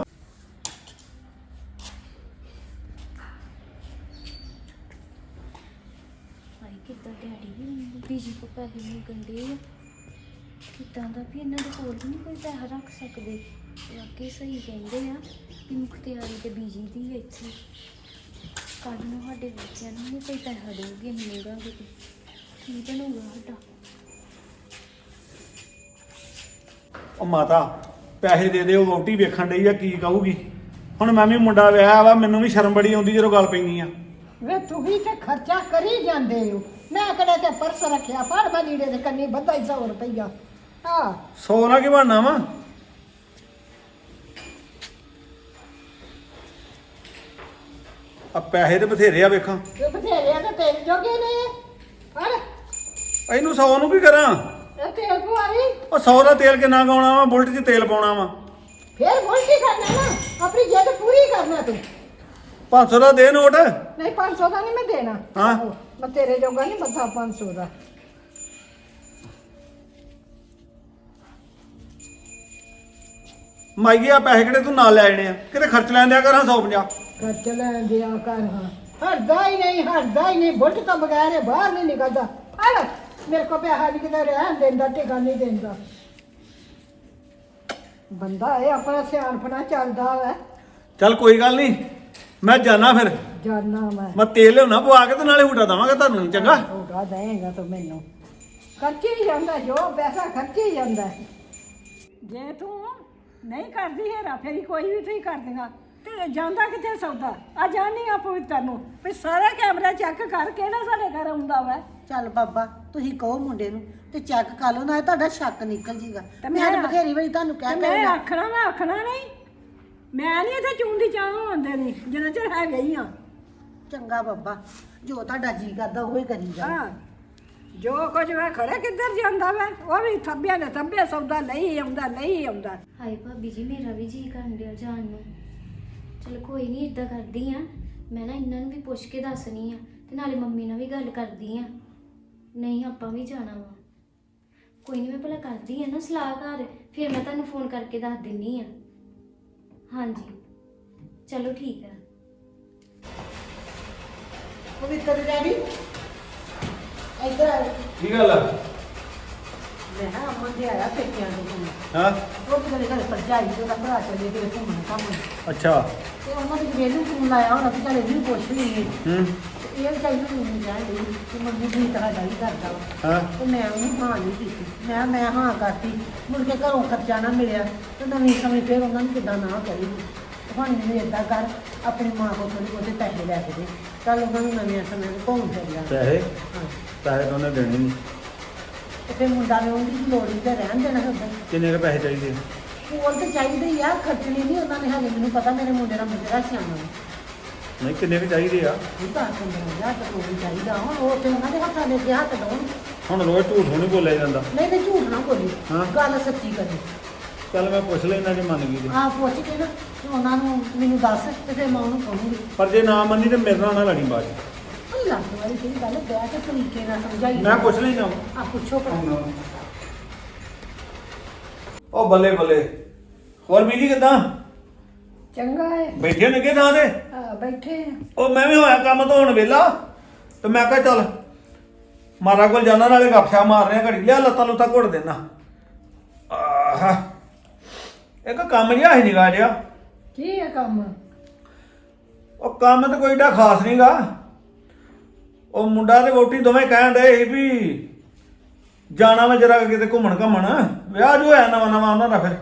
ਭਾਈ ਕਿੱਦਾਂ ਡੈਡੀ ਵੀ ਬੀਜੀ ਕੋ ਪੈਸੇ ਮੰਗਣ ਦੇ ਆ, ਕਿੱਦਾਂ ਦਾ ਵੀ ਇਹਨਾਂ ਦੇ ਕੋਲ ਵੀ ਨਹੀਂ ਕੋਈ ਪੈਸਾ ਰੱਖ ਸਕਦੇ। ਵਾਕਈ ਸਹੀ ਕਹਿੰਦੇ ਆ ਕਿ ਮੁਖਤਿਆਰੀ ਤੇ ਬੀਜੀ ਦੀ ਹੈ ਇੱਥੇ। ਕੱਲ੍ਹ ਨੂੰ ਸਾਡੇ ਬੱਚਿਆਂ ਨੂੰ ਵੀ ਕੋਈ ਪੈਸਾ ਦੇਊਗੀ, ਅਸੀਂ ਮੰਗਾਂਗੇ ਤੇ ਕੀ ਬਣੂਗਾ ਸਾਡਾ?
ਉਹ ਮਾਤਾ ਪੈਸੇ ਦੇ ਦੇ, ਉਹ ਵਹੁਟੀ ਵੇਖਣ ਡਈ ਆ ਕੀ ਕਹੂਗੀ। ਹੁਣ ਮੈਂ ਵੀ ਮੁੰਡਾ ਵਿਆਹਿਆ ਵਾ, ਮੈਨੂੰ ਵੀ ਸ਼ਰਮ ਬੜੀ ਆਉਂਦੀ ਜਦੋਂ ਗੱਲ ਪੈਂਦੀ ਆ।
ਵੇ ਤੂੰ ਵੀ ਤੇ ਖਰਚਾ ਕਰੀ ਜਾਂਦੇ ਹੋ। ਮੈਂ ਕਿਹੜੇ ਤੇ ਪਰਸ ਰੱਖਿਆ, ਫੜ ਮੈਂ ਲੀੜੇ ਦੇ ਕੰਨੀ ਬੱਧਾ ਹੀ ਸੌ ਰੁਪਈਆ। ਹਾਂ
ਸੌ ਨਾ ਕੀ ਬਣਨਾ ਵਾ। ਆ ਪੈਸੇ ਤੇ ਬਥੇਰੇ ਆ ਵੇਖਾਂ।
ਇਹ ਬਥੇਰੇ ਆ ਤੇ ਤੇਰੇ ਜੋਗੇ ਨੇ।
ਅਰੇ
ਇਹਨੂੰ ਸੌ ਨੂੰ ਕੀ ਕਰਾਂ?
ਇਹ ਤੇਲ ਪਵਾਈ
ਉਹ ਸੌ ਦਾ ਤੇਲ ਕਿੰਨਾ ਗਾਉਣਾ ਵਾ, ਬੁਲਟ 'ਚ ਤੇਲ ਪਾਉਣਾ ਵਾ।
ਫੇਰ ਬੋਲ ਕੀ ਕਰਨਾ ਨਾ, ਆਪਣੀ ਜਿੱਦ ਪੂਰੀ ਕਰਨਾ ਤੂੰ।
ਪੰਜ ਸੌ ਦਾ ਦੇ ਨੋਟ।
ਨਹੀਂ ਪੰਜ ਸੌ ਦਾ ਨਹੀਂ ਮੈਂ ਦੇਣਾ।
ਹਾਂ।
ਮੈਂ ਤੇਰੇ ਜੋਗਾ ਨਹੀਂ ਮੱਥਾ ਪੰਜ ਸੌ ਦਾ।
ਮਾਈਏ ਆ ਪੈਸੇ ਕਿਹੜੇ ਤੂੰ ਨਾਲ ਲੈ ਜਾਣੇ ਆ, ਕਿਤੇ ਖਰਚ ਲੈਣ ਦਿਆ ਕਰਾਂ ਸੌ ਪੰਜਾਹ।
ਖਰਚ ਲੈ ਦਿਆ ਕਰ ਹਾਂ। ਹਟਦਾ ਹੀ ਨਹੀਂ, ਹਟਦਾ ਹੀ ਨਹੀਂ, ਬੁੱਟ ਤੋਂ ਬਗੈਰ ਇਹ ਬਾਹਰ ਨਹੀਂ ਨਿਕਲਦਾ। ਹੜ ਮੇਰੇ ਕੋ ਪੈਸਾ ਨਹੀਂ ਕਿਤੇ ਰਹਿਣ ਦਿੰਦਾ, ਟਿਕਾ ਨਹੀਂ ਦਿੰਦਾ। ਬੰਦਾ ਇਹ ਆਪਣਾ ਸਿਆਣਪਣਾ ਚੱਲਦਾ ਵੈ।
ਚੱਲ ਕੋਈ ਗੱਲ ਨਹੀਂ, ਮੈਂ ਜਾਣਾ ਫਿਰ।
ਜਾਨਾ ਮੈਂ
ਮੈਂ ਤੇਲ ਲਿਆਉਣਾ ਪਵਾ ਕੇ ਤੇ ਨਾਲੇ ਹੂਟਾ ਦਵਾਂਗਾ ਤੁਹਾਨੂੰ, ਚੰਗਾ?
ਹੋਗਾ ਦੇਂਗਾ ਤੂੰ ਮੈਨੂੰ। ਖਰਚੀ ਹੀ ਜਾਂਦਾ, ਜੋ ਪੈਸਾ ਖਰਚੀ ਹੀ ਜਾਂਦਾ। ਜੇ ਤੂੰ ਨਹੀਂ ਕਰਦੀ ਹੈਰਾ ਫੇਰੀ ਕੋਈ ਵੀ ਤੁਸੀਂ ਕਰ ਦੇਗਾ ਤੇ ਜਾਂਦਾ ਕਿੱਥੇ ਸੌਦਾ। ਆ ਜਾਣੀ ਆ ਪਵਿੱਤਰ ਨੂੰ ਵੀ ਸਾਰਾ ਕੈਮਰਾ ਚੈੱਕ ਕਰ ਕਿਹੜਾ ਸਾਡੇ ਘਰ ਆਉਂਦਾ ਵਾ। ਚੱਲ ਬਾਬਾ ਤੁਸੀਂ ਕਹੋ ਮੁੰਡੇ ਨੂੰ ਤੇ ਚੈੱਕ ਕਰ ਲਓ, ਨਾ ਤੁਹਾਡਾ ਸ਼ੱਕ ਨਿਕਲ ਜੀਗਾ। ਮੈਂ ਤਾਂ ਬਥੇਰੀ ਵਾਰੀ ਤੁਹਾਨੂੰ ਕਹਿ ਕੇ
ਮੈਂ ਆਖਣਾ ਮੈਂ ਆਖਣਾ ਨਹੀਂ, ਮੈਂ ਨਹੀਂ ਇੱਥੇ ਚੂੰਦੀ ਚਾਹ ਹੁੰਦੇ ਨਹੀਂ ਜਿੰਨਾ ਚਿਰ ਹੈ ਗਈ ਆ।
ਚੰਗਾ ਬਾਬਾ, ਜੋ ਤੁਹਾਡਾ ਜੀ ਕਰਦਾ ਉਹ ਹੀ ਕਰੀ ਜਾ।
ਹਾਂ, ਜੋ ਕੁਝ ਵਾ ਖੜੇ ਕਿੱਧਰ ਜਾਂਦਾ ਵਾ, ਉਹ ਵੀ ਥੱਬਿਆਂ ਨੇ ਥੱਬੇ ਸੌਦਾ ਨਹੀਂ ਆਉਂਦਾ ਨਹੀਂ ਆਉਂਦਾ।
ਹਾਏ ਭਾਬੀ ਜੀ ਮੇਰਾ ਵੀ ਜੀ ਕਰਨ ਡਿਆ ਜਾਣ ਨੂੰ। ਚਲ ਕੋਈ ਨਹੀਂ, ਇਦਾਂ ਕਰਦੀ ਆ ਮੈਂ ਨਾ ਇਹਨਾਂ ਨੂੰ ਵੀ ਪੁੱਛ ਕੇ ਦੱਸਣੀ ਆ ਤੇ ਨਾਲੇ ਮੰਮੀ ਨਾਲ ਵੀ ਗੱਲ ਕਰਦੀ ਆ। ਨਹੀਂ ਆਪਾਂ ਵੀ ਜਾਣਾ ਵਾ, ਕੋਈ ਨਹੀਂ ਮੈਂ ਭਲਾ ਕਰਦੀ ਆ ਨਾ ਸਲਾਹ ਘਰ, ਫਿਰ ਮੈਂ ਤੁਹਾਨੂੰ ਫੋਨ ਕਰਕੇ ਦੱਸ ਦਿੰਨੀ ਆ। ਹਾਂਜੀ ਚਲੋ ਠੀਕ ਆ।
ਪਵਿੱਤਰ ਡੈਡੀ ਇੱਧਰ ਆ।
ਕੀ ਗੱਲ ਆ?
ਮੈਂ ਹਾਂ ਅਮਨ ਦੇ ਆਇਆ ਪੇਕਿਆਂ ਤੋਂ ਘੁੰਮਣ।
ਹਾਂ।
ਉਹ ਕਿਹੜੇ ਘਰ ਭਰਜਾਈ ਤੇ ਉਹਦਾ ਭਰਾ ਚਲੇ ਗਏ ਘੁੰਮਣ ਘਾਮਣ
ਅੱਛਾ।
ਤੇ ਉਹਨਾਂ ਦੇ ਵੇਲੂ ਫੋਨ ਲਾਇਆ ਹੋਣਾ ਵੀ ਚੱਲ ਇਹਨੂੰ ਪੁੱਛ ਲਈਏ।
ਹੂੰ।
ਤੇ ਇਹ ਵਿਚਾਰੀ ਨੂੰ ਨਹੀਂ ਜਾਣ ਲਈ ਕਿ ਮੰਮੀ ਦੀ ਤਰ੍ਹਾਂ ਦਾ ਹੀ ਕਰਦਾ ਵਾ।
ਹਾਂ।
ਤੇ ਮੈਂ ਉਹਨੂੰ ਹਾਂ ਨਹੀਂ ਕੀਤੀ। ਮੈਂ ਮੈਂ ਹਾਂ ਕਰਤੀ, ਮੁੜ ਕੇ ਘਰੋਂ ਖਰਚਾ ਨਾ ਮਿਲਿਆ ਤੇ ਨਵੀਂ ਸਮੇਂ ਫਿਰ ਉਹਨਾਂ ਨੂੰ ਕਿੱਦਾਂ ਨਾ ਕਰੇਗੀ। ਹੁਣ ਮੈਨੂੰ ਏਦਾਂ ਕਰ, ਆਪਣੀ ਮਾਂ ਕੋਲ ਥੋੜ੍ਹੇ ਬਹੁਤੇ ਪੈਸੇ ਲੈ ਕੇ ਦੇ, ਚੱਲ ਉਹਨਾਂ ਨੂੰ ਨਵੇਂ ਸਮੇਂ ਨੂੰ ਘੁੰਮ ਫਿਰ ਲਿਆ।
ਪੈਸੇ
ਹਾਂ।
ਪੈਸੇ ਤਾਂ ਉਹਨੇ ਦੇਣੇ ਨਹੀਂ।
ਤੇ ਫਿਰ ਮੁੰਡਾ ਨੇ ਉਹਦੀ ਲੋੜ ਹੀ ਤੇ ਰਹਿਣ ਦੇਣਾ ਹੁੰਦਾ।
ਕਿੰਨੇ ਕੁ ਪੈਸੇ ਚਾਹੀਦੇ?
ਕੋਲ ਤੇ ਚਾਹੀਦੇ ਹੀ ਆ, ਖਰਚਣੇ ਨਹੀਂ ਉਹਨਾਂ ਨੇ ਹਜੇ। ਮੈਨੂੰ ਪਤਾ ਮੇਰੇ ਮੁੰਡੇ ਦਾ ਮੁੰਡਾ ਸਿਆਣਾ ਵਾ।
ਨਹੀਂ ਕਿੰਨੇ ਕੁ ਚਾਹੀਦੇ ਆ?
ਇਹ ਤਾਂ ਪੰਦਰਾਂ ਹਜ਼ਾਰ ਤਾਂ ਕੋਈ ਚਾਹੀਦਾ। ਹੁਣ ਉਹ ਤੇ ਉਹਨਾਂ ਦੇ ਹੱਥਾਂ ਦੇ ਅੱਗੇ ਹੱਥ ਲਾਉਣ।
ਹੁਣ ਰੋਜ਼ ਝੂਠ ਨਹੀਂ ਬੋਲਿਆ ਜਾਂਦਾ।
ਨਹੀਂ ਨਹੀਂ ਝੂਠ ਨਾ ਬੋਲੀ,
ਹਾਂ।
ਗੱਲ ਸੱਚੀ ਕਰੀ।
ਚੱਲ ਮੈਂ ਪੁੱਛ ਲੈਣਾ ਜੇ ਮੰਨ ਗਈ ਤੇ।
ਆਹ ਪੁੱਛ ਕੇ ਨਾ ਤੇ ਉਹਨਾਂ ਨੂੰ ਮੈਨੂੰ ਦੱਸ ਤੇ ਫਿਰ ਮੈਂ ਉਹਨੂੰ ਕਹੂੰਗੀ।
ਪਰ ਜੇ ਨਾ ਮੰਨੀ ਤੇ ਮੇਰੇ ਨਾਲ ਨਾ ਲੜੀ ਬਾਅਦ ਚ।
ਉਹ ਲੱਗ ਵਾਲੀ ਜਿਹੜੀ ਗੱਲ ਬਹਿ ਕੇ ਤਰੀਕੇ ਨਾਲ ਸਮਝਾਈ।
ਮੈਂ ਪੁੱਛ ਲੈਣਾ।
ਆ ਪੁੱਛੋ ਭਲਾ।
ਉਹ ਬੱਲੇ ਬੱਲੇ, ਹੋਰ ਬੀਜੀ ਕਿੱਦਾਂ?
ਚੰਗਾ ਹੈ।
ਬੈਠੇ ਨੇ ਕਿ ਥਾਂ ਤੇ?
ਆ ਬੈਠੇ ਆ।
ਉਹ ਮੈਂ ਵੀ ਹੋਇਆ ਕੰਮ ਤੋਂ ਹੁਣ ਵਿਹਲਾ ਤੇ ਮੈਂ ਕਿਹਾ ਚੱਲ ਮਾਰਾ ਕੋਲ ਜਾਣਾ, ਨਾਲੇ ਗੱਪਸ਼ਾ ਮਾਰਨੇ ਆ ਘੜੀ, ਲਿਆ ਲੱਤਾਂ ਲੁੱਤਾਂ ਘੁੱਟ ਦੇਣਾ। ਆਹ ਇੱਕ ਕੰਮ ਜਿਹਾ ਹੀ ਨਿਗਾ ਜਿਹਾ।
ਕੀ ਹੈ ਕੰਮ?
ਉਹ ਕੰਮ ਤਾਂ ਕੋਈ ਏਡਾ ਖਾਸ ਨਹੀਂਗਾ। ਉਹ ਮੁੰਡਾ ਤੇ ਵੋਟੀ ਦੋਵੇਂ ਕਹਿਣ ਡਏ ਸੀ ਵੀ ਜਾਣਾ ਵਾ ਜਰਾ ਕਿਤੇ ਘੁੰਮਣ ਘੁੰਮਣ। ਵਿਆਹ ਜੋ ਹੋਇਆ ਨਵਾਂ ਨਵਾਂ ਉਹਨਾਂ ਦਾ, ਫਿਰ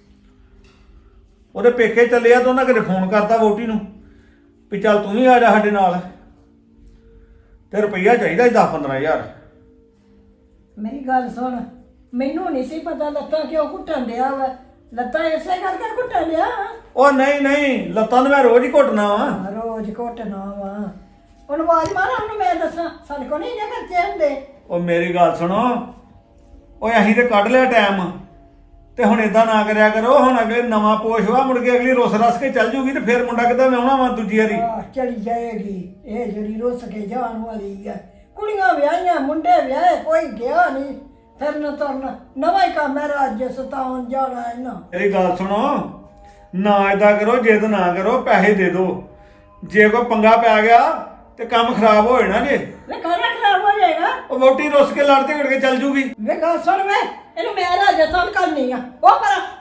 ਉਹਦੇ ਪੇਕੇ ਚੱਲੇ ਆ ਤਾਂ ਉਹਨਾਂ ਕਿਤੇ ਫੋਨ ਕਰਤਾ ਵੋਟੀ ਨੂੰ ਵੀ ਚੱਲ ਤੂੰ ਵੀ ਆ ਜਾ ਸਾਡੇ ਨਾਲ, ਤੇ ਰੁਪਈਆ ਚਾਹੀਦਾ ਸੀ ਦਸ ਪੰਦਰਾਂ ਹਜ਼ਾਰ।
ਮੇਰੀ ਗੱਲ ਸੁਣ, ਮੈਨੂੰ ਨਹੀਂ ਸੀ ਪਤਾ ਲੱਤਾਂ ਕਿਉਂ ਘੁੱਟਣ ਡਿਆ ਵਾ। ਲੱਤਾਂ ਇਸੇ ਕਰਕੇ ਘੁੱਟਣ ਡਿਆ।
ਉਹ ਨਹੀਂ ਨਹੀਂ, ਲੱਤਾਂ ਨੂੰ ਮੈਂ ਰੋਜ਼ ਹੀ ਘੁੱਟਣਾ ਵਾ।
ਰੋਜ਼ ਘੁੱਟਣਾ ਵਾ। ਉਹਨੂੰ ਆਵਾਜ਼ ਮਾਰ, ਉਹਨੂੰ ਮੈਂ ਦੱਸਾਂ ਸਾਡੇ ਕੋਲ ਨਹੀਂ ਇਹ ਖਰਚੇ ਹੁੰਦੇ।
ਉਹ ਮੇਰੀ ਗੱਲ ਸੁਣੋ, ਓਏ ਅਸੀਂ ਤੇ ਕੱਢ ਲਿਆ ਟਾਈਮ, ਤੇ ਹੁਣ ਇਦਾਂ ਨਾ ਕਰਿਆ ਕਰੋ। ਹੁਣ ਅਗਲੇ ਨਵਾਂ ਪੋਸ਼ ਵਾ, ਮੁੜ ਕੇ ਅਗਲੀ ਰੁੱਸ ਰਸ ਕੇ ਚੱਲ ਜੂਗੀ ਤੇ ਫਿਰ ਮੁੰਡਾ ਕਿੱਦਾਂ ਵਿਆਹੁਣਾ ਵਾ ਦੂਜੀ ਵਾਰੀ।
ਆਹ, ਚਲੀ ਜਾਏਗੀ ਇਹ ਜਿਹੜੀ ਰੁੱਸ ਕੇ ਜਾਣ ਵਾਲੀ ਹੈ। ਕੁੜੀਆਂ ਵਿਆਹੀਆਂ, ਮੁੰਡੇ ਵਿਆਹੇ, ਕੋਈ ਗਿਆ ਨਹੀਂ ਫਿਰਨ ਤੁਰਨ। ਨਵਾਂ ਹੀ ਕੰਮ ਹੈ ਰਾਜ ਸਤਾਉਣ ਜਾਣਾ ਇਹਨਾਂ।
ਮੇਰੀ ਗੱਲ ਸੁਣੋ, ਨਾ ਏਦਾਂ ਕਰੋ, ਜਿੱਦ ਨਾ ਕਰੋ, ਪੈਸੇ ਦੇ ਦਿਓ। ਜੇ ਕੋਈ ਪੰਗਾ ਪੈ ਗਿਆ ਤੇ ਕੰਮ ਖਰਾਬ ਹੋ ਜਾਣਾ ਜੇ।
ਵੇ ਖਾਣਾ ਖਰਾਬ ਹੋ ਜਾਏਗਾ।
ਉਹ ਵੋਟੀ ਰੁੱਸ ਕੇ ਲੜ ਝਗੜ ਕੇ ਚੱਲ ਜੂਗੀ।
ਵੇ ਗੱਲ ਸੁਣ ਵੇ, ਇਹਨੂੰ ਮੈਂ ਰਾਜ ਸਤਾਉਣ ਕਰਨੀ ਆ। ਉਹ ਪਰ